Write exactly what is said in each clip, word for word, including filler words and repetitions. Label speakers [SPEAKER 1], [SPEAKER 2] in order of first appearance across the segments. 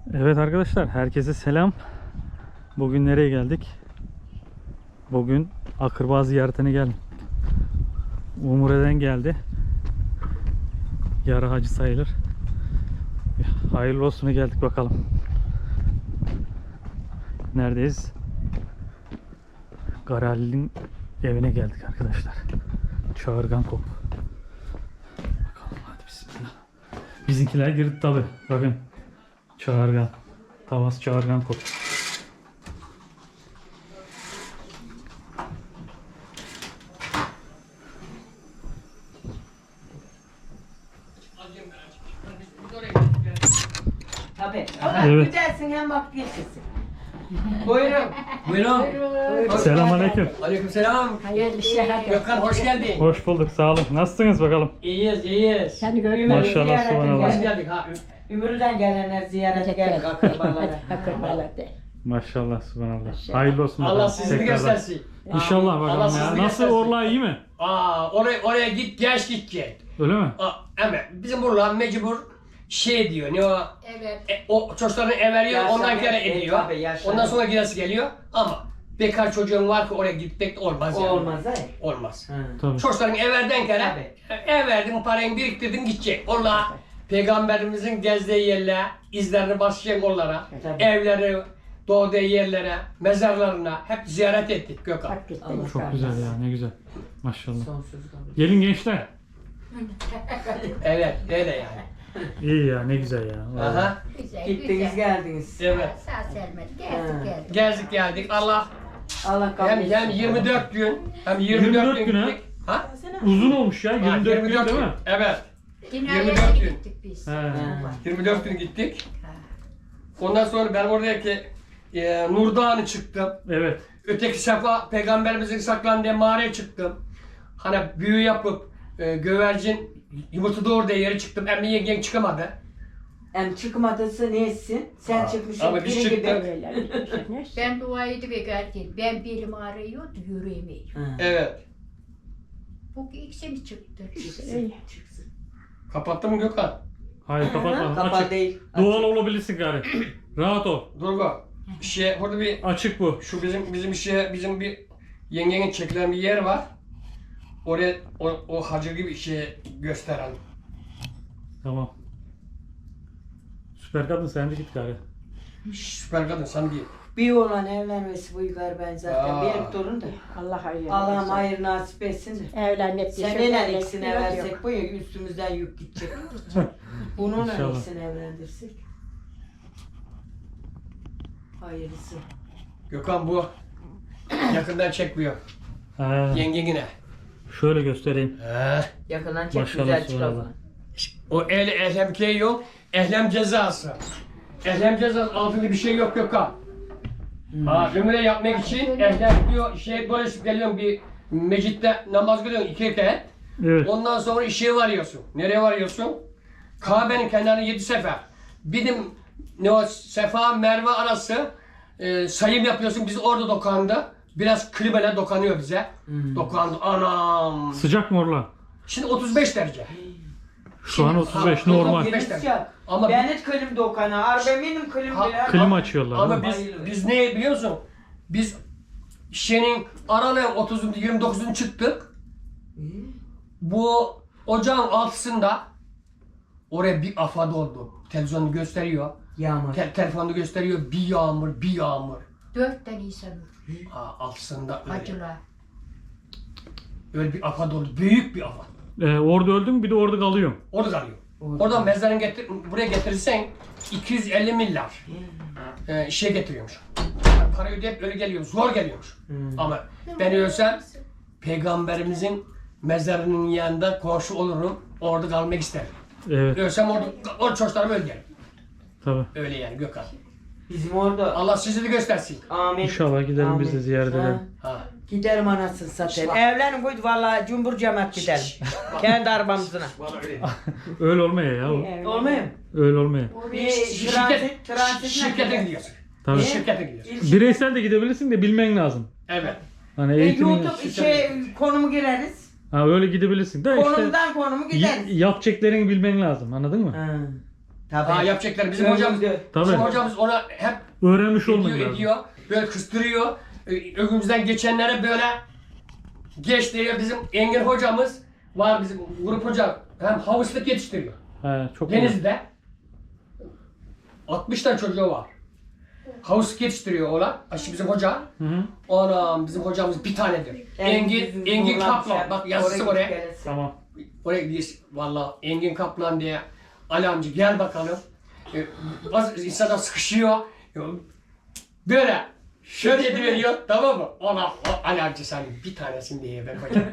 [SPEAKER 1] Evet arkadaşlar, herkese selam. Bugün nereye geldik? Bugün akraba ziyaretine geldik. Umure'den geldi. Yarı hacı sayılır. Hayırlı olsuna geldik bakalım. Neredeyiz? Garali'nin evine geldik arkadaşlar. Çağırgan kop. Bakalım hadi bismillah. Bizimkiler girdi tabi. Bakın. Çağırgan. Tavas çağırgan kop.
[SPEAKER 2] Tabii.
[SPEAKER 1] Evet.
[SPEAKER 2] Güzelsin hem bak geçirsin. Buyurun.
[SPEAKER 3] Buyurun.
[SPEAKER 1] Selamünaleyküm.
[SPEAKER 3] Aleykümselam.
[SPEAKER 4] Hayırlı işler.
[SPEAKER 3] Gökhan hoş geldin.
[SPEAKER 1] Hoş bulduk, sağ olun. Nasılsınız bakalım?
[SPEAKER 3] İyiyiz, iyiyiz.
[SPEAKER 4] Seni görmek
[SPEAKER 2] Ümür'ü
[SPEAKER 1] Maşallah,
[SPEAKER 2] ziyarete
[SPEAKER 1] subhanallah.
[SPEAKER 3] Hoş
[SPEAKER 2] gel-
[SPEAKER 3] geldik ha.
[SPEAKER 2] Ümür'den gelenler ziyarete geldik akrabalara.
[SPEAKER 4] Akrabalar de.
[SPEAKER 1] Maşallah, subhanallah. Hayırlı olsun.
[SPEAKER 3] Allah
[SPEAKER 1] bakalım.
[SPEAKER 3] sizi
[SPEAKER 1] Tekrardan.
[SPEAKER 3] göstersin.
[SPEAKER 1] İnşallah
[SPEAKER 3] Allah
[SPEAKER 1] bakalım
[SPEAKER 3] sizi
[SPEAKER 1] ya. Nasıl
[SPEAKER 3] göstersin.
[SPEAKER 1] Orla iyi mi?
[SPEAKER 3] Aa, oraya oraya git, geç gidecek.
[SPEAKER 1] Öyle mi?
[SPEAKER 3] Aa, ama bizim buralar mecbur şey diyor. Ne o?
[SPEAKER 4] Evet.
[SPEAKER 3] E, o çocuklarını ev veriyor,
[SPEAKER 2] Yaşlanıyor,
[SPEAKER 3] ondan kere
[SPEAKER 2] e,
[SPEAKER 3] ediyor.
[SPEAKER 2] tabii, yaşlanıyor.
[SPEAKER 3] Ondan sonra giresi geliyor. Ama bekar çocuğun var ki oraya gitmek de olmaz yani.
[SPEAKER 2] Olmaz ha.
[SPEAKER 3] Olmaz.
[SPEAKER 2] Ha.
[SPEAKER 1] Tabii.
[SPEAKER 3] Çocukların ev verden kere ev verdin, parayı biriktirdin gidecek. Onlar Peygamberimizin gezdiği yerlere, izlerini basacak onlara,
[SPEAKER 2] Tabii.
[SPEAKER 3] evleri, doğduğu yerlere, mezarlarına hep ziyaret ettik Gökhan.
[SPEAKER 4] Hakikaten.
[SPEAKER 2] Allah
[SPEAKER 1] Çok
[SPEAKER 2] razı
[SPEAKER 1] güzel
[SPEAKER 2] olsun.
[SPEAKER 1] ya, ne güzel. Maşallah.
[SPEAKER 2] Sonsuz kabul.
[SPEAKER 1] Gelin gençler.
[SPEAKER 3] Evet, öyle yani.
[SPEAKER 1] İyi ya, ne güzel ya. Vallahi.
[SPEAKER 3] Aha,
[SPEAKER 4] Güzel,
[SPEAKER 2] Gittiniz
[SPEAKER 4] güzel.
[SPEAKER 2] geldiniz.
[SPEAKER 3] evet.
[SPEAKER 4] Sağ selamet
[SPEAKER 2] Ha.
[SPEAKER 4] geldik geldik.
[SPEAKER 3] Gezdik geldik. Allah
[SPEAKER 2] Allah kabul
[SPEAKER 3] hem,
[SPEAKER 2] etsin.
[SPEAKER 3] hem yirmi dört gün, hem yirmi dört,
[SPEAKER 1] yirmi dört
[SPEAKER 3] gün
[SPEAKER 1] gün ha?
[SPEAKER 3] gittik. Ha?
[SPEAKER 1] Uzun olmuş ya,
[SPEAKER 3] Ha,
[SPEAKER 1] yirmi dört gün değil mi?
[SPEAKER 3] Evet.
[SPEAKER 4] Dinaya
[SPEAKER 3] yirmi dört gün.
[SPEAKER 4] gittik biz.
[SPEAKER 1] He.
[SPEAKER 2] Ha.
[SPEAKER 3] yirmi dört gün gittik. Ondan sonra ben oradaki e, Nur Dağı'nı çıktım.
[SPEAKER 1] Evet.
[SPEAKER 3] Öteki sefa peygamberimizin saklandığı mağaraya çıktım. Hani büyü yapıp e, gövercin yumurta doğurduğu yere çıktım. Emmi yengen çıkamadı.
[SPEAKER 2] Hem çıkmadısı ne etsin? Sen
[SPEAKER 3] Ha,
[SPEAKER 2] çıkmışsın
[SPEAKER 3] ama biz
[SPEAKER 2] biri
[SPEAKER 3] çıktık.
[SPEAKER 2] gibi.
[SPEAKER 4] Öyleler gitmişler. Ben duaydı bekarken. Ben belim ağrıyordu, yürüyemiyorum.
[SPEAKER 2] Ha.
[SPEAKER 3] Evet.
[SPEAKER 4] Bu ikisi mi çıktı?
[SPEAKER 2] Çıksın. Çıksın.
[SPEAKER 3] Kapattın mı Gökhan?
[SPEAKER 1] Hayır kapatma.
[SPEAKER 2] Kapalı
[SPEAKER 1] Açık.
[SPEAKER 2] değil.
[SPEAKER 1] Doğal olabilirsin gari. Rahat ol.
[SPEAKER 3] Durgo. Şey burada bir
[SPEAKER 1] Açık bu.
[SPEAKER 3] şu bizim bizim şey bizim bir yengenin çekilen bir yer var. Oraya o, o hacı gibi şey gösteren.
[SPEAKER 1] Tamam. Süper kadın sen de git gari.
[SPEAKER 3] Süper kadın sen değil.
[SPEAKER 2] Bir olan evlenmesi bu yukarı ben zaten.
[SPEAKER 3] Aa.
[SPEAKER 2] Benim torun da.
[SPEAKER 4] Allah hayır.
[SPEAKER 2] Allah'ım hayır nasip etsin de.
[SPEAKER 4] Evlenmek
[SPEAKER 2] Seninle ikisini versek bu ya üstümüzden yük gidecek. Bununla
[SPEAKER 1] İnşallah.
[SPEAKER 2] ikisini evlendirsek. Hayırlısı.
[SPEAKER 3] Gökhan bu yakından çekmiyor.
[SPEAKER 1] He.
[SPEAKER 3] Yengengine.
[SPEAKER 1] Şöyle göstereyim.
[SPEAKER 3] He.
[SPEAKER 2] Yakından çek
[SPEAKER 1] Maşallah,
[SPEAKER 2] güzel
[SPEAKER 1] subhanallah.
[SPEAKER 2] çıkalım.
[SPEAKER 3] O el ehlem şey yok. Ehlem cezası. Ehlem cezası altında bir şey yok Gökhan. Ha, ömre yapmak için ehlem diyor şey dolaşıp geliyorsun bir mecitte namaz kılıyorsun iki rekat.
[SPEAKER 1] Evet.
[SPEAKER 3] Ondan sonra işe varıyorsun. Nereye varıyorsun? Kabe'nin kenarına yedi sefer. Bizim ne o Sefa Merve arası e, sayım yapıyorsun. Biz orada dokandı. Biraz klibeler dokanıyor bize.
[SPEAKER 2] Hmm.
[SPEAKER 3] Dokandı. Anam.
[SPEAKER 1] Sıcak mı Orla?
[SPEAKER 3] Şimdi otuz beş derece.
[SPEAKER 1] Şu an otuz beş
[SPEAKER 3] Ha,
[SPEAKER 1] normal.
[SPEAKER 3] otuz beş
[SPEAKER 2] Yeni
[SPEAKER 3] derece.
[SPEAKER 2] sıcak.
[SPEAKER 3] Ama
[SPEAKER 2] Ben hiç klim dokana. Arbe benim klim
[SPEAKER 3] Ha,
[SPEAKER 2] bile.
[SPEAKER 1] Klima açıyorlar.
[SPEAKER 3] Ama
[SPEAKER 1] değil mi?
[SPEAKER 3] biz
[SPEAKER 2] Hayırlı.
[SPEAKER 3] biz ne biliyor musun? Biz şeyin aralığın otuzuncu yirmi dokuzunu çıktık. Bu ocağın altısında oraya bir afad oldu. Televizyonu gösteriyor.
[SPEAKER 2] Yağmur.
[SPEAKER 3] Te- telefonda gösteriyor. Bir yağmur, bir yağmur.
[SPEAKER 4] Dört tane insan
[SPEAKER 3] Ha, altısında öyle.
[SPEAKER 4] acılar.
[SPEAKER 3] Öyle bir afad oldu. Büyük bir afad.
[SPEAKER 1] Ee, orada öldüm bir de orada kalıyorum.
[SPEAKER 3] Orada kalıyor.
[SPEAKER 2] Orada.
[SPEAKER 3] Oradan mezarını getir, buraya getirirsen iki yüz elli milyar e, şey getiriyormuş. Para ödeyip öyle geliyormuş. Zor geliyormuş.
[SPEAKER 2] Hmm.
[SPEAKER 3] Ama ben ölsem peygamberimizin mezarının yanında komşu olurum. Orada kalmak isterim.
[SPEAKER 1] Evet.
[SPEAKER 3] Ölsem orada, orada çocuklarımı öldürürüm.
[SPEAKER 1] Tabii.
[SPEAKER 3] Öyle yani Gökhan.
[SPEAKER 2] Bizim orada.
[SPEAKER 3] Allah sizi de göstersin.
[SPEAKER 2] Amin.
[SPEAKER 1] İnşallah gidelim biz de ziyaret
[SPEAKER 2] Ha.
[SPEAKER 1] edelim.
[SPEAKER 3] Ha.
[SPEAKER 2] Giderim anasını satayım.
[SPEAKER 3] Bak.
[SPEAKER 2] Evlenin koydu valla cumbur cemaat gidelim. Kendi arabamızına.
[SPEAKER 3] Bana öyle.
[SPEAKER 1] Öyle olmuyor ya. o.
[SPEAKER 2] Olmuyor mu?
[SPEAKER 1] Öyle olmuyor.
[SPEAKER 2] Bir
[SPEAKER 3] Şirket,
[SPEAKER 2] transit, transit
[SPEAKER 3] şirkete gidiyorsun.
[SPEAKER 1] Tabii.
[SPEAKER 3] Şirkete gidiyorsun.
[SPEAKER 1] Bireysel de gidebilirsin de bilmen lazım.
[SPEAKER 3] Evet.
[SPEAKER 1] Hani
[SPEAKER 2] E,
[SPEAKER 1] eğitimin...
[SPEAKER 2] YouTube şey konumu gireriz.
[SPEAKER 1] Ha öyle gidebilirsin de işte
[SPEAKER 2] Konumdan konumu gideriz.
[SPEAKER 1] y- yapacaklarını bilmen lazım. Anladın mı?
[SPEAKER 2] Ha. Tabii.
[SPEAKER 3] Ha yapacaklar. Bizim
[SPEAKER 2] Ömrümde.
[SPEAKER 3] hocamız,
[SPEAKER 1] Tabii.
[SPEAKER 3] bizim hocamız ona hep
[SPEAKER 1] Öğrenmiş olmak
[SPEAKER 3] ediyor,
[SPEAKER 1] lazım.
[SPEAKER 3] ediyor. Böyle kıstırıyor. Ö- Önümüzden geçenlere böyle geç diyor. Bizim Engin hocamız var, bizim grup hoca. Hem havuçluk yetiştiriyor.
[SPEAKER 1] He, çok güzel.
[SPEAKER 3] Denizli'de altmış tane çocuğu var. Havuçluk yetiştiriyor oğlan. Aşı bizim hoca.
[SPEAKER 1] Hı hı.
[SPEAKER 3] Anam bizim hocamız bir tanedir. Engin, Engin Kaplan. Bak yazısı oraya.
[SPEAKER 1] Tamam.
[SPEAKER 3] Oraya gidiyoruz. Valla Engin Kaplan diye. Ali amca gel bakalım. Ee, bazı insanlar sıkışıyor. Böyle şöyle veriyor, tamam mı? Ona o Ali amca sen bir tanesini diye ben hocam.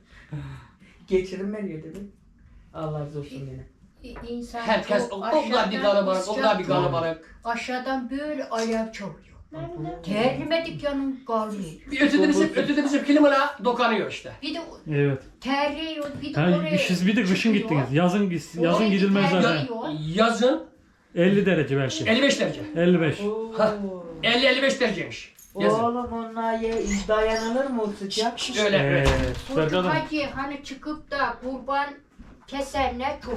[SPEAKER 2] Geçirin veriyor dedi. Allah razı olsun yine.
[SPEAKER 4] İnsan
[SPEAKER 3] Herkes
[SPEAKER 4] çok
[SPEAKER 3] o kadar bir
[SPEAKER 4] aşağıdan
[SPEAKER 3] kalabalık, o kadar bir
[SPEAKER 4] sıcak,
[SPEAKER 3] kalabalık.
[SPEAKER 4] aşağıdan böyle alev çalıyor. Terlemedik yanım kalmıyor.
[SPEAKER 3] Bir ötede bizim, ötede bizim klimala dokanıyor işte.
[SPEAKER 4] Bir de
[SPEAKER 1] Evet.
[SPEAKER 4] terliyor, bir de
[SPEAKER 1] Ha,
[SPEAKER 4] oraya
[SPEAKER 1] siz bir de kışın
[SPEAKER 4] çıkıyor.
[SPEAKER 1] gittiniz. Yazın gis- yazın
[SPEAKER 4] Oraya
[SPEAKER 1] gidilmez
[SPEAKER 4] gider-
[SPEAKER 1] zaten.
[SPEAKER 4] Ya-
[SPEAKER 3] Yazın
[SPEAKER 1] elli derece belki.
[SPEAKER 3] elli beş derece.
[SPEAKER 1] elli beş.
[SPEAKER 3] Ha. elli elli beş dereceymiş. Yazın.
[SPEAKER 2] Oğlum onlar ye, dayanılır mı o sıcak?
[SPEAKER 3] Öyle
[SPEAKER 1] Ee,
[SPEAKER 3] öyle.
[SPEAKER 1] süper
[SPEAKER 4] Çocuk
[SPEAKER 1] kadın.
[SPEAKER 4] hacı hani çıkıp da kurban kesenler çok.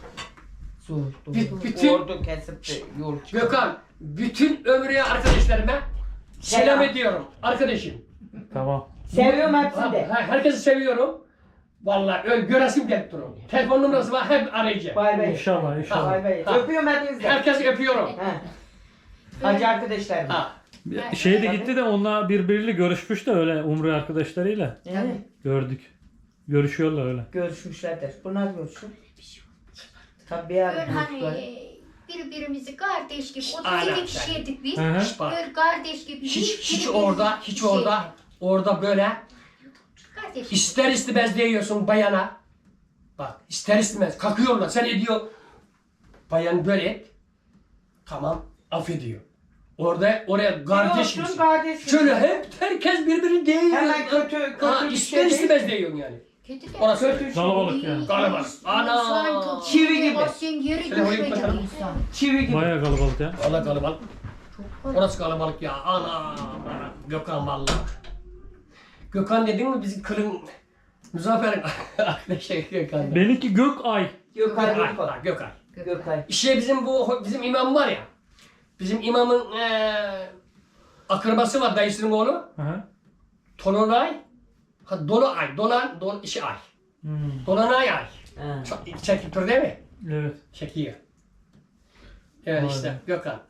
[SPEAKER 2] Zor.
[SPEAKER 3] Bü- bütün-
[SPEAKER 2] Ordu kesip de yol çıkıyor.
[SPEAKER 3] Gökhan, bütün ömrüye arkadaşlarıma selam
[SPEAKER 2] Selam.
[SPEAKER 3] ediyorum. Arkadaşım.
[SPEAKER 1] Tamam.
[SPEAKER 2] Seviyorum
[SPEAKER 3] Ha,
[SPEAKER 2] hepsini de.
[SPEAKER 3] ha, herkesi seviyorum. Vallahi öyle göresim gelip duruyor. Telefon numarası var, hep arayacağım.
[SPEAKER 2] Bay bay.
[SPEAKER 1] İnşallah inşallah.
[SPEAKER 2] Bay bay.
[SPEAKER 3] Ha.
[SPEAKER 2] Öpüyorum hepinizi de.
[SPEAKER 3] Herkesi öpüyorum.
[SPEAKER 2] Ha. Hacı arkadaşlarım.
[SPEAKER 3] Ha.
[SPEAKER 1] Şey de gitti de onunla birbiriyle görüşmüş de öyle Umre arkadaşlarıyla.
[SPEAKER 2] Evet.
[SPEAKER 1] Gördük. Görüşüyorlar öyle.
[SPEAKER 2] Görüşmüşlerdir. Bunlar görüşür. Tabii
[SPEAKER 4] Böyle
[SPEAKER 2] yani.
[SPEAKER 4] hani birbirimizi kardeş gibi
[SPEAKER 3] Aynen.
[SPEAKER 4] otuz iki kişiydik biz.
[SPEAKER 1] Hı hı.
[SPEAKER 3] Bak.
[SPEAKER 4] Böyle kardeş gibi
[SPEAKER 3] Hiç hiç
[SPEAKER 4] birbirimizi
[SPEAKER 3] orada, hiç
[SPEAKER 4] şey
[SPEAKER 3] orada, orada böyle
[SPEAKER 4] kardeş gibi.
[SPEAKER 3] ister istemez değiyorsun bayana. Bak ister istemez kalkıyorlar, sen ediyor. Bayan böyle et. Tamam, affediyor. Orada oraya kardeş
[SPEAKER 2] Olsun
[SPEAKER 3] misin?
[SPEAKER 2] kardeşim.
[SPEAKER 3] Şöyle hep herkes birbirini değiyor.
[SPEAKER 2] Hemen kötü- kötü
[SPEAKER 3] Ha,
[SPEAKER 2] bir
[SPEAKER 3] ister
[SPEAKER 2] şey
[SPEAKER 3] istemez
[SPEAKER 2] değil.
[SPEAKER 3] değiyorsun yani.
[SPEAKER 4] Kötü de.
[SPEAKER 3] Orası öyle.
[SPEAKER 2] Kötü
[SPEAKER 1] Kalabalık yani.
[SPEAKER 3] Kalabalık. Ana!
[SPEAKER 2] Çivi gibi.
[SPEAKER 4] Basın yeri
[SPEAKER 3] Şöyle koyayım
[SPEAKER 4] düşmedi
[SPEAKER 3] bakalım.
[SPEAKER 4] insan.
[SPEAKER 2] Çivi gibi.
[SPEAKER 1] Bayağı kalabalık ya.
[SPEAKER 3] Valla kalabalık.
[SPEAKER 4] Çok kalabalık.
[SPEAKER 3] Orası kalabalık ya. Ana! ana. Gökhan valla. Gökhan dedin mi bizim kılın Muzaffer'in arkadaşı Gökhan.
[SPEAKER 1] Benimki Gökay.
[SPEAKER 2] Gökay
[SPEAKER 3] Gökhan.
[SPEAKER 2] Gökay.
[SPEAKER 3] ha, Gökhan.
[SPEAKER 2] Gökay.
[SPEAKER 3] İşte bizim bu bizim imam var ya. Bizim imamın eee akrabası var, dayısının oğlu.
[SPEAKER 1] Hı hı.
[SPEAKER 3] Tolunay. Ha Dolunay. Dolan, Dol işi ay.
[SPEAKER 1] Hmm,
[SPEAKER 3] Dolanay ay.
[SPEAKER 2] Ha.
[SPEAKER 3] Çok çekip dur değil mi?
[SPEAKER 1] evet.
[SPEAKER 3] Çekiyor. Evet
[SPEAKER 1] Vay
[SPEAKER 3] işte
[SPEAKER 1] be.
[SPEAKER 3] Gökhan.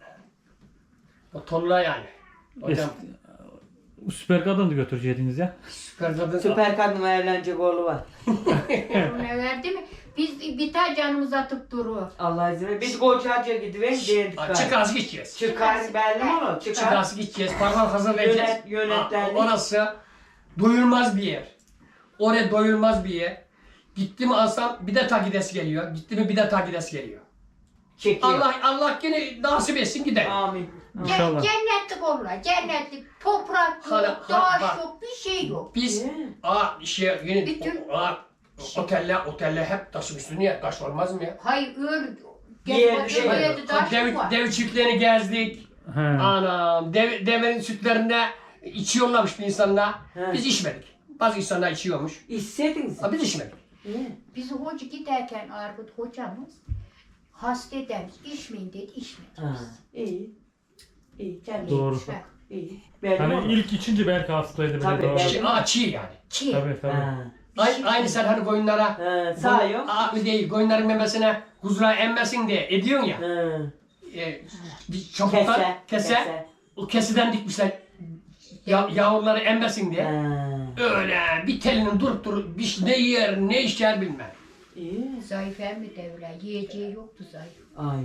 [SPEAKER 3] O Tolunay yani. Hocam
[SPEAKER 1] Es- Süper kadın da götüreceydiniz ya.
[SPEAKER 3] süper kadın.
[SPEAKER 2] Süper kadınla evlenecek oğlu var.
[SPEAKER 4] Ne verdi mi? Biz bir tane canımız atıp duruyor.
[SPEAKER 2] Allah izin verir. Biz Koçacı'ya gidiverdik dedik.
[SPEAKER 3] Ha, Çıkaz gideceğiz.
[SPEAKER 2] Çıkar belli mi onu? Çıkar.
[SPEAKER 3] Çıkaz gideceğiz. Parmak hazırlayacağız.
[SPEAKER 2] Yönet- yönetmenlik.
[SPEAKER 3] Ha, Orası doyulmaz bir yer. Oraya doyulmaz bir yer. Gitti mi alsam bir de takidesi geliyor. Gitti mi bir de takidesi geliyor.
[SPEAKER 2] Çekiyor.
[SPEAKER 3] Allah Allah yine nasip etsin gidelim.
[SPEAKER 2] Amin.
[SPEAKER 1] İnşallah.
[SPEAKER 4] Cennetlik olurlar. Cennetlik. Toprak
[SPEAKER 3] Hala-
[SPEAKER 4] yok,
[SPEAKER 3] ha-
[SPEAKER 4] taş
[SPEAKER 3] bak.
[SPEAKER 4] yok, bir şey yok.
[SPEAKER 3] Biz
[SPEAKER 2] Ee?
[SPEAKER 3] aa şey yine
[SPEAKER 4] Bütün-
[SPEAKER 3] o, aa, oteller oteller hep taşın üstüne ya taş olmaz mı ya?
[SPEAKER 4] Hayır öyle.
[SPEAKER 2] Diğer
[SPEAKER 4] Gel
[SPEAKER 2] bir şey
[SPEAKER 4] bakayım,
[SPEAKER 2] yok.
[SPEAKER 4] öyle taş
[SPEAKER 3] Dev,
[SPEAKER 4] var.
[SPEAKER 3] dev çiftlerini gezdik.
[SPEAKER 1] He.
[SPEAKER 3] Anam dev, devenin sütlerinde içiyorlarmış bir insanlar.
[SPEAKER 2] He.
[SPEAKER 3] Biz içmedik. Bazı insanlar içiyormuş.
[SPEAKER 2] İstediniz.
[SPEAKER 3] Ha, biz içmedik.
[SPEAKER 2] Ee?
[SPEAKER 4] Biz hoca giderken Argut hocamız hasta edermiş. İçmeyin dedi, içmedik.
[SPEAKER 2] Ha. İyi. İyi. Kendi.
[SPEAKER 1] Doğru.
[SPEAKER 4] Bak,
[SPEAKER 2] İyi. Belli
[SPEAKER 1] Hani
[SPEAKER 2] mi?
[SPEAKER 1] ilk içince belki hastaydı bile.
[SPEAKER 2] Tabii,
[SPEAKER 1] doğru.
[SPEAKER 2] belki.
[SPEAKER 3] Çiğ, aa, çiğ yani.
[SPEAKER 4] çiğ.
[SPEAKER 1] Tabii tabii.
[SPEAKER 2] Ha.
[SPEAKER 3] Aynı, aynı sen hani koyunlara
[SPEAKER 2] Ha. Sağıyor.
[SPEAKER 3] Aa, değil, koyunların memesine huzura emmesin diye ediyorsun ya.
[SPEAKER 2] Ha.
[SPEAKER 3] E, bir çapuktan
[SPEAKER 2] Kese.
[SPEAKER 3] kese, o keseden dikmişler ya, yavruları emmesin diye.
[SPEAKER 2] Ha.
[SPEAKER 3] Öyle bir telinin durup durup bir şey- ne yer ne içer bilmem.
[SPEAKER 2] İyi.
[SPEAKER 4] Zayıf emmi devre. Yiyeceği yoktu zayıf.
[SPEAKER 2] Ay.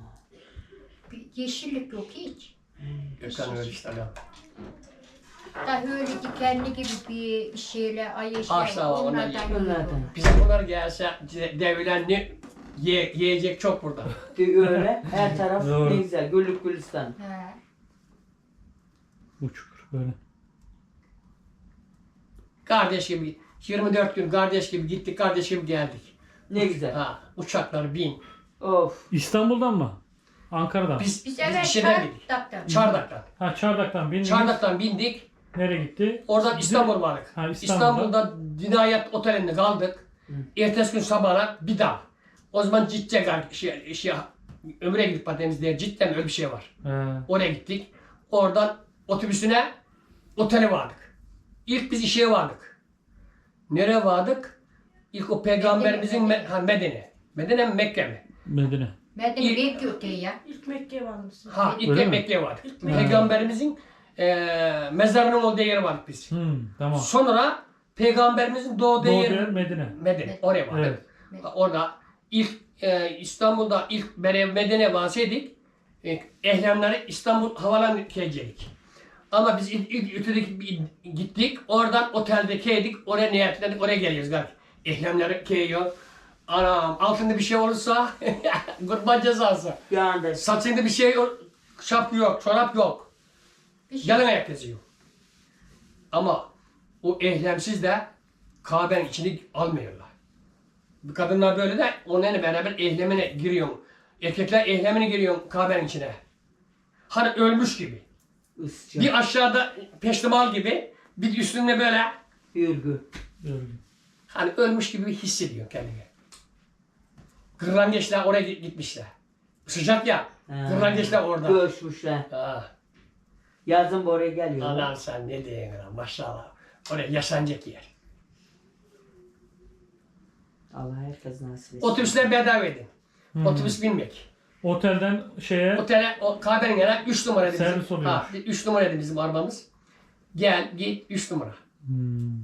[SPEAKER 4] Bir yeşillik yok hiç.
[SPEAKER 3] Gökhan öyle işte adam.
[SPEAKER 4] Da öyle dikenli gibi bir şeyler, ay eşler
[SPEAKER 3] Ağaçlar var, onlar
[SPEAKER 4] onlardan
[SPEAKER 3] yiyor.
[SPEAKER 4] yiyor.
[SPEAKER 2] Onlardan.
[SPEAKER 3] Bizim bunlar gelse de- devlen ne ye, yiyecek çok burada.
[SPEAKER 2] Öyle. Her taraf
[SPEAKER 1] Doğru.
[SPEAKER 2] ne güzel. Güllük gülistan.
[SPEAKER 4] He.
[SPEAKER 1] Uçukur böyle.
[SPEAKER 3] Kardeş gibi yirmi dört gün kardeş gibi gittik, kardeş gibi geldik.
[SPEAKER 2] Ne güzel.
[SPEAKER 3] Ha, uçaklar bin.
[SPEAKER 2] Of.
[SPEAKER 3] İstanbul'dan
[SPEAKER 1] mı? Ankara'dan.
[SPEAKER 3] Biz,
[SPEAKER 4] Biz
[SPEAKER 3] biz
[SPEAKER 4] evet
[SPEAKER 3] bir şeyden bindik.
[SPEAKER 4] Çardak'tan.
[SPEAKER 3] Çardak'tan.
[SPEAKER 1] Ha Çardak'tan bindiniz.
[SPEAKER 3] Çardak'tan bindik.
[SPEAKER 1] Nereye gitti?
[SPEAKER 3] Oradan İstanbul vardık.
[SPEAKER 1] Ha, İstanbul'da.
[SPEAKER 3] İstanbul'da Dinayet Oteli'nde kaldık. Ertesi gün sabahına bir daha. O zaman Cicce şey, şey, Ömür'e gidip patemiz diye cidden öyle bir şey var.
[SPEAKER 1] He.
[SPEAKER 3] Oraya gittik. Oradan otobüsüne otele vardık. İlk biz işe vardık. Nereye vardık? İlk o peygamberimizin
[SPEAKER 4] Medine.
[SPEAKER 3] Me- ha, Medine. Medine mi Mekke mi?
[SPEAKER 1] Medine.
[SPEAKER 4] Ben de
[SPEAKER 3] İlk-
[SPEAKER 4] bekliyor ya.
[SPEAKER 5] İlk Mekke'ye varmışsın.
[SPEAKER 3] Ha ilk
[SPEAKER 1] Öyle
[SPEAKER 3] de
[SPEAKER 1] mi?
[SPEAKER 3] Mekke'ye vardık.
[SPEAKER 5] İlk
[SPEAKER 1] Mekke.
[SPEAKER 3] Peygamberimizin eee mezarının olduğu yere vardık biz.
[SPEAKER 1] Hmm, tamam.
[SPEAKER 3] Sonra peygamberimizin doğduğu
[SPEAKER 1] Doğu
[SPEAKER 3] yer
[SPEAKER 1] yer Medine.
[SPEAKER 3] Medine. Oraya vardık.
[SPEAKER 1] Evet.
[SPEAKER 4] Evet.
[SPEAKER 3] Orada ilk e, İstanbul'da ilk Meryem Medine vasiydik. E, ehlemleri İstanbul havalan gelecek. Ama biz ilk, ilk ötedeki bir- gittik. Oradan otelde keydik. Oraya niyetlendik. Oraya geliyoruz galiba. Ehlemleri keyiyor. Anam altında bir şey olursa kurban cezası.
[SPEAKER 2] Yandı.
[SPEAKER 3] Saçında bir şey yok. Şapka yok. Çorap yok.
[SPEAKER 4] Bir şey.
[SPEAKER 3] Yalın ayak geziyor. Ama o ehlemsiz de Kabe'nin içine almıyorlar. Bu kadınlar böyle de onlarla beraber ehlemine giriyor. Erkekler ehlemine giriyor Kabe'nin içine. Hani ölmüş gibi.
[SPEAKER 2] Isça.
[SPEAKER 3] Bir aşağıda peştemal gibi, bir üstünde böyle
[SPEAKER 2] Hürgü.
[SPEAKER 1] Öyle.
[SPEAKER 3] hani ölmüş gibi hissediyor kendini. Kırlangeçler oraya git- gitmişler. Sıcak ya. Kırlangeçler orada.
[SPEAKER 2] Göçmüşler.
[SPEAKER 3] Ha.
[SPEAKER 2] Yazın buraya geliyor.
[SPEAKER 3] Anam sen ne diyorsun lan maşallah. Oraya yaşanacak yer.
[SPEAKER 2] Allah herkes nasip etsin.
[SPEAKER 3] Otobüsler bedava edin.
[SPEAKER 1] Hmm.
[SPEAKER 3] Otobüs binmek.
[SPEAKER 1] Otelden şeye
[SPEAKER 3] Otele, o Kabe'nin yanına üç numara dedi.
[SPEAKER 1] Servis
[SPEAKER 3] bizim.
[SPEAKER 1] oluyormuş.
[SPEAKER 3] Ha, üç numara dedi bizim arabamız. Gel git üç numara.
[SPEAKER 1] hmm,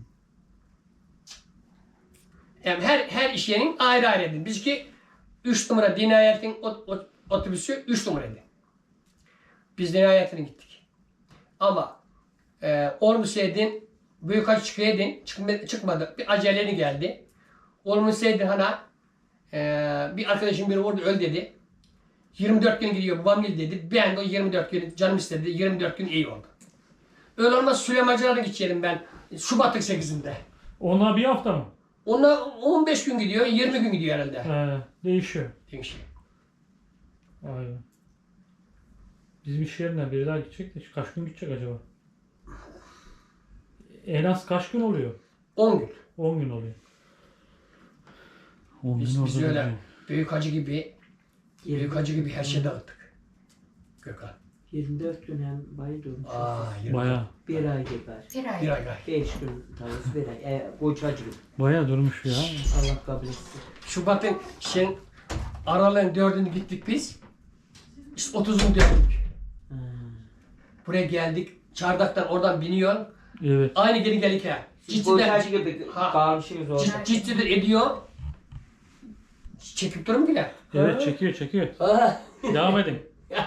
[SPEAKER 3] Yani her her iş yerinin ayrı ayrı edin. Bizki üç numara Dinayet'in ot- ot- otobüsü üç numaraydı. Biz Dinayet'ine gittik. Ama e, olmasaydın büyük acı çıkaydın. Çıkma, çıkmadı. Bir aceleni geldi. Olmasaydın hana e, bir arkadaşım biri orada öl dedi. yirmi dört gün gidiyor babam gel dedi. Ben de o yirmi dört gün canım istedi. yirmi dört gün iyi oldu. Öyle olmaz Süleymancılar'a gideceğim ben. Şubat'ın sekizinde.
[SPEAKER 1] ona bir hafta mı?
[SPEAKER 3] Ona on beş gün gidiyor, yirmi gün gidiyor herhalde.
[SPEAKER 1] He, değişiyor.
[SPEAKER 3] Demiş.
[SPEAKER 1] Vay be. Bizim iş yerinden biri daha gidecek de kaç gün gidecek acaba? En az kaç gün oluyor?
[SPEAKER 3] on gün.
[SPEAKER 1] on gün oluyor. on
[SPEAKER 3] Biz,
[SPEAKER 1] gün
[SPEAKER 3] biz
[SPEAKER 1] orada
[SPEAKER 3] öyle
[SPEAKER 1] duruyor.
[SPEAKER 3] büyük hacı gibi, büyük hacı gibi her şeyi dağıttık. Gökhan.
[SPEAKER 2] yirmi dört gün hem bayı durmuş.
[SPEAKER 3] Aa, yirmi.
[SPEAKER 1] Baya,
[SPEAKER 2] Bir ay geber.
[SPEAKER 4] Bir ay.
[SPEAKER 3] Bir ay gay.
[SPEAKER 2] Beş gün tavus bir ay. E, kocacık.
[SPEAKER 1] baya durmuş ya.
[SPEAKER 2] Allah kabul etsin.
[SPEAKER 3] Şubat'ın şeyin aralığın dördünü gittik biz. İşte otuzunu döndük.
[SPEAKER 2] Ha.
[SPEAKER 3] Buraya geldik. Çardaktan oradan biniyor.
[SPEAKER 1] Evet.
[SPEAKER 3] Aynı geri geldik ha.
[SPEAKER 2] Siz
[SPEAKER 3] Cidden,
[SPEAKER 2] kocacık gibi
[SPEAKER 3] Ha.
[SPEAKER 2] kalmışsınız orada.
[SPEAKER 3] cid, ciddidir ediyor. Çekip durur mu bile?
[SPEAKER 1] Evet çekiyor çekiyor.
[SPEAKER 3] Ha.
[SPEAKER 1] Devam edin.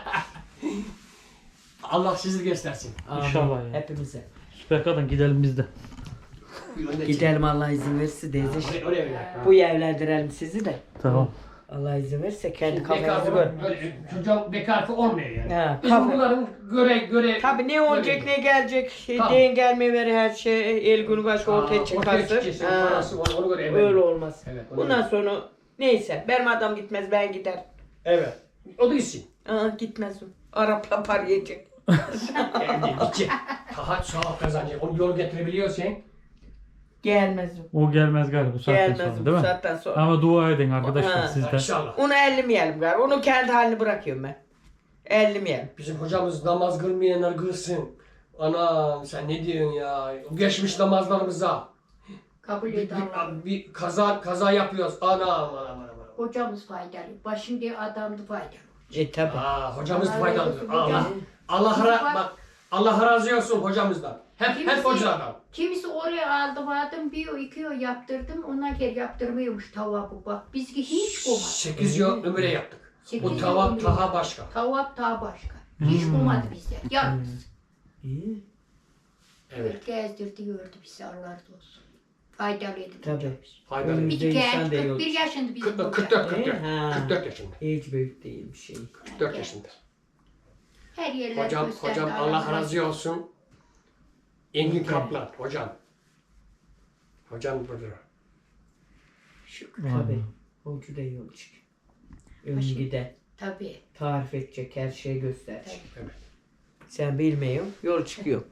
[SPEAKER 3] Allah sizi göstersin.
[SPEAKER 2] Amin.
[SPEAKER 1] İnşallah ya.
[SPEAKER 2] Hepimize.
[SPEAKER 1] Süper kadın gidelim biz de.
[SPEAKER 2] Gidelim Allah izin verirse teyze.
[SPEAKER 3] Oraya, oraya bir dakika.
[SPEAKER 2] Bu evlendirelim sizi de.
[SPEAKER 1] Tamam.
[SPEAKER 2] Allah izin verirse kendi
[SPEAKER 3] Bekar
[SPEAKER 2] kafanızı gör.
[SPEAKER 3] böyle çocuğun bekarlığı olmuyor yani.
[SPEAKER 2] Ha,
[SPEAKER 3] Bizim
[SPEAKER 2] kafa-
[SPEAKER 3] bunların göre göre
[SPEAKER 2] Tabii ne olacak ne gelecek.
[SPEAKER 3] Tabii.
[SPEAKER 2] Den gelme ver her şey. El günü başı ortaya
[SPEAKER 3] Ortaya
[SPEAKER 2] çıkarsın.
[SPEAKER 3] çıkarsın.
[SPEAKER 2] Ha,
[SPEAKER 3] Parası var, onu göre
[SPEAKER 2] öyle olmaz.
[SPEAKER 3] Evet, onu
[SPEAKER 2] Bundan
[SPEAKER 3] göre.
[SPEAKER 2] sonra neyse benim adam gitmez ben gider.
[SPEAKER 3] Evet. O da gitsin.
[SPEAKER 2] Aa, gitmez o. Arapla par yiyecek.
[SPEAKER 3] Geldi, gidecek. Daha sağ kazanacak. Onu yol getirebiliyorsan.
[SPEAKER 2] Gelmez o.
[SPEAKER 1] O gelmez galiba bu saatten
[SPEAKER 2] Gelmez
[SPEAKER 1] sonra
[SPEAKER 2] o bu
[SPEAKER 1] değil mi?
[SPEAKER 2] saatten sonra.
[SPEAKER 1] Ama dua edin arkadaşlar
[SPEAKER 2] Ha.
[SPEAKER 1] sizden.
[SPEAKER 3] İnşallah.
[SPEAKER 2] Onu ellemeyelim galiba. Onu kendi halini bırakıyorum ben. Ellemeyelim.
[SPEAKER 3] Bizim hocamız namaz kılmayanlar kılsın. Anam sen ne diyorsun ya? O geçmiş namazlarımıza.
[SPEAKER 4] Kabul
[SPEAKER 3] Bir,
[SPEAKER 4] et Allah.
[SPEAKER 3] bir, bir kaza kaza yapıyoruz. Anam anam anam. anam.
[SPEAKER 4] Hocamız faydalı. Başında adamdı faydalı.
[SPEAKER 2] E tabi.
[SPEAKER 3] Aa, hocamız
[SPEAKER 4] Allah
[SPEAKER 3] faydalı.
[SPEAKER 4] razı olsun
[SPEAKER 3] Allah
[SPEAKER 4] hocam.
[SPEAKER 3] Allah ra bak Allah razı olsun hocamızdan. Hep hep
[SPEAKER 4] Kimisi-
[SPEAKER 3] hocalardan.
[SPEAKER 4] Kimisi oraya aldım aldım bir o iki o yaptırdım. Ona gel yaptırmıyormuş tavabı bak. Bizki hiç olmadı.
[SPEAKER 3] sekiz yıl ömre yaptık.
[SPEAKER 4] Sekiz
[SPEAKER 3] O
[SPEAKER 4] yıl
[SPEAKER 3] tava
[SPEAKER 4] ömrü
[SPEAKER 3] taha
[SPEAKER 4] yaptık.
[SPEAKER 3] başka.
[SPEAKER 4] Tavap daha başka. Hiç
[SPEAKER 1] Hmm.
[SPEAKER 4] olmadı bizde. Yalnız.
[SPEAKER 2] İyi.
[SPEAKER 3] Evet.
[SPEAKER 4] Gezdirdi gördü bizi Allah razı olsun. Faydalıydı.
[SPEAKER 2] Tabii.
[SPEAKER 4] hocamız.
[SPEAKER 3] Faydalı.
[SPEAKER 2] Hmm.
[SPEAKER 4] Bir
[SPEAKER 2] Bizde
[SPEAKER 4] genç
[SPEAKER 2] insan da yok.
[SPEAKER 4] kırk bir yaşında bizim
[SPEAKER 3] kırk
[SPEAKER 4] hoca.
[SPEAKER 3] dört kırk dört.
[SPEAKER 2] Ha.
[SPEAKER 3] kırk dört yaşında.
[SPEAKER 2] Hiç büyük değil bir şey.
[SPEAKER 3] kırk dört yaşında.
[SPEAKER 4] Her yerler
[SPEAKER 3] Hocam
[SPEAKER 4] gösterdi,
[SPEAKER 3] hocam Allah razı olsun. Engin Kaplan hocam. Hocam budur.
[SPEAKER 2] Şükür tabi. Hocu da yol çık. Ön
[SPEAKER 4] Başı-
[SPEAKER 2] gide.
[SPEAKER 4] Tabii.
[SPEAKER 2] Tarif edecek her şeyi gösterecek.
[SPEAKER 3] Evet.
[SPEAKER 2] Sen bilmiyorsun. Yol çıkıyor.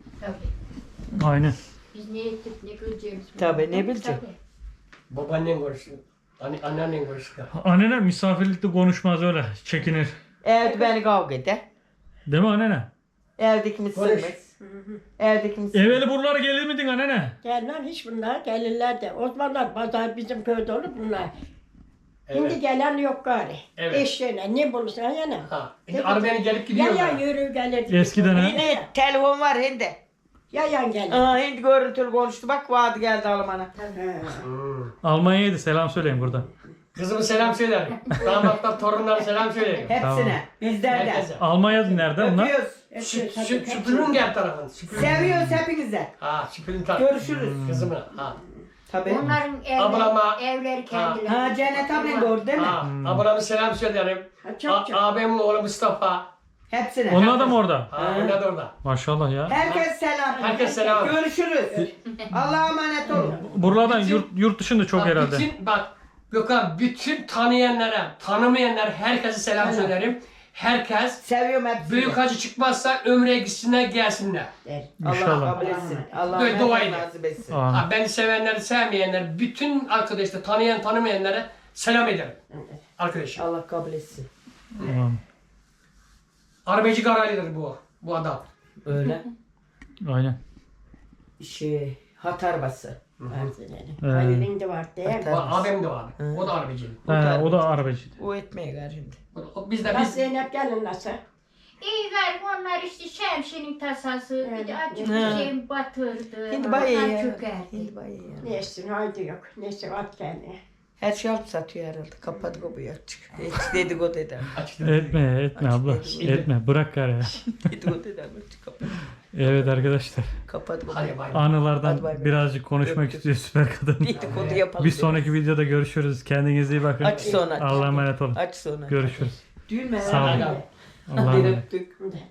[SPEAKER 4] Tabii.
[SPEAKER 1] Aynen.
[SPEAKER 4] Biz ne ettik ne bileceğimiz.
[SPEAKER 2] Tabii, ne
[SPEAKER 4] bilmiyoruz.
[SPEAKER 2] bilecek?
[SPEAKER 4] Tabii.
[SPEAKER 3] Babaannen konuştu. Anne, anneannen konuştu.
[SPEAKER 1] Anneler misafirlikte konuşmaz öyle. Çekinir.
[SPEAKER 2] Evde beni kavga eder.
[SPEAKER 1] Değil mi annene?
[SPEAKER 2] Evdeki mi
[SPEAKER 3] Konuş.
[SPEAKER 2] sığmaz? Evdeki mi sığmaz?
[SPEAKER 1] Evveli buralara gelir miydin annene?
[SPEAKER 5] Gelmem hiç bunlar gelirler de. O zamanlar pazar bizim köyde olur bunlar. Şimdi
[SPEAKER 3] Evet.
[SPEAKER 5] gelen yok gari.
[SPEAKER 3] Evet.
[SPEAKER 5] Eşeğine ne bulursan yana.
[SPEAKER 3] Ha. Şimdi arabayla gelip gidiyor.
[SPEAKER 5] Yayan yürü gelirdi.
[SPEAKER 1] Eskiden ha?
[SPEAKER 2] Yine telefon var hindi.
[SPEAKER 5] Yayan gelir.
[SPEAKER 2] Aa, hindi görüntülü konuştu. Bak vaadi geldi Alman'a.
[SPEAKER 5] Ha.
[SPEAKER 1] Almanya'ydı selam söyleyin burada.
[SPEAKER 3] Kızımı selam söylerim. Damatlar, torunlara selam söylerim.
[SPEAKER 2] Hepsine. Bizden de.
[SPEAKER 3] Herkese.
[SPEAKER 1] Almanya nerede onlar?
[SPEAKER 2] Öpüyoruz.
[SPEAKER 3] Şu, şu, süpürün gel tarafın. Süpürün.
[SPEAKER 2] Seviyoruz hepinize.
[SPEAKER 3] Ha, süpürün tarafın.
[SPEAKER 2] Görüşürüz.
[SPEAKER 3] Kızımı. Ha.
[SPEAKER 2] Tabii.
[SPEAKER 4] Onların
[SPEAKER 3] Ablama-
[SPEAKER 4] evleri, evleri kendileri.
[SPEAKER 2] Ha Cennet ablan da orada değil mi?
[SPEAKER 3] Ha. Ablamı selam söylerim.
[SPEAKER 5] Ha, çok
[SPEAKER 3] A-
[SPEAKER 5] çok.
[SPEAKER 3] abimin oğlu Mustafa.
[SPEAKER 2] Hepsine.
[SPEAKER 1] Onlar da mı orada?
[SPEAKER 3] Ha, onlar da orada.
[SPEAKER 1] Maşallah ya.
[SPEAKER 2] Herkes selam.
[SPEAKER 3] Herkes selam.
[SPEAKER 2] Görüşürüz. Allah'a emanet olun.
[SPEAKER 1] Buralardan yurt, yurt dışında çok
[SPEAKER 3] Bak,
[SPEAKER 1] herhalde.
[SPEAKER 3] Bütün, bak Gökhan, bütün tanıyanlara, tanımayanlara herkese selam söylerim. Herkes
[SPEAKER 2] Seviyorum hepsini.
[SPEAKER 3] büyük hacı çıkmazsa ömreye gitsinler gelsinler.
[SPEAKER 5] Der.
[SPEAKER 2] Allah
[SPEAKER 1] İnşallah.
[SPEAKER 2] kabul etsin. Allah
[SPEAKER 3] Böyle dua
[SPEAKER 2] herkese
[SPEAKER 3] edin.
[SPEAKER 2] nasip etsin.
[SPEAKER 1] Amin.
[SPEAKER 3] Ha, beni sevenleri, sevmeyenleri, bütün arkadaşlar tanıyan, tanımayanlara selam ederim. Arkadaşlar.
[SPEAKER 2] Allah kabul etsin.
[SPEAKER 1] Amin.
[SPEAKER 3] Arabacı Karaylı'dır bu, bu adam.
[SPEAKER 2] Öyle.
[SPEAKER 1] Aynen.
[SPEAKER 2] Şey, hat arabası.
[SPEAKER 1] Ee,
[SPEAKER 5] Halil'in de var değil mi?
[SPEAKER 3] O, abim de var. O da arabacı.
[SPEAKER 1] he, o da arabacıydı.
[SPEAKER 2] O etmeye gar şimdi.
[SPEAKER 3] O, o, biz de
[SPEAKER 5] Nasıl
[SPEAKER 3] biz
[SPEAKER 5] Zeynep gelin nasıl?
[SPEAKER 4] İyi gayrı onlar işte şemsinin tasası, bir de açık
[SPEAKER 2] Ha.
[SPEAKER 4] bir şey batırdı.
[SPEAKER 2] Hindi bayağı
[SPEAKER 4] onlar
[SPEAKER 2] ya.
[SPEAKER 4] çökerdi.
[SPEAKER 2] Hindi bayağı ya.
[SPEAKER 5] Neyse haydi yok. Neyse at kendine.
[SPEAKER 2] Her şey alıp satıyor herhalde. Kapat kapıyı açık. Hiç dedikodu eder.
[SPEAKER 3] açtık.
[SPEAKER 1] Etme etme abla. Etme bırak gari.
[SPEAKER 2] Dedikodu eder. Açık kapat.
[SPEAKER 1] Evet arkadaşlar.
[SPEAKER 2] Kapat kapıyı.
[SPEAKER 3] Hadi bay bay.
[SPEAKER 1] Anılardan
[SPEAKER 2] Hadi bay bay.
[SPEAKER 1] birazcık konuşmak
[SPEAKER 2] Öptüm.
[SPEAKER 1] istiyor süper kadın.
[SPEAKER 2] Dedikodu yapalım.
[SPEAKER 1] Bir sonraki videoda görüşürüz. Kendinize iyi bakın.
[SPEAKER 2] Aç sonra.
[SPEAKER 1] Allah'a emanet olun.
[SPEAKER 2] Aç sonra.
[SPEAKER 1] Görüşürüz.
[SPEAKER 2] Düğün mü?
[SPEAKER 1] Sağ olun.
[SPEAKER 3] Hadi.
[SPEAKER 1] Allah'a emanet.
[SPEAKER 2] Öptük.
[SPEAKER 5] Şimdi.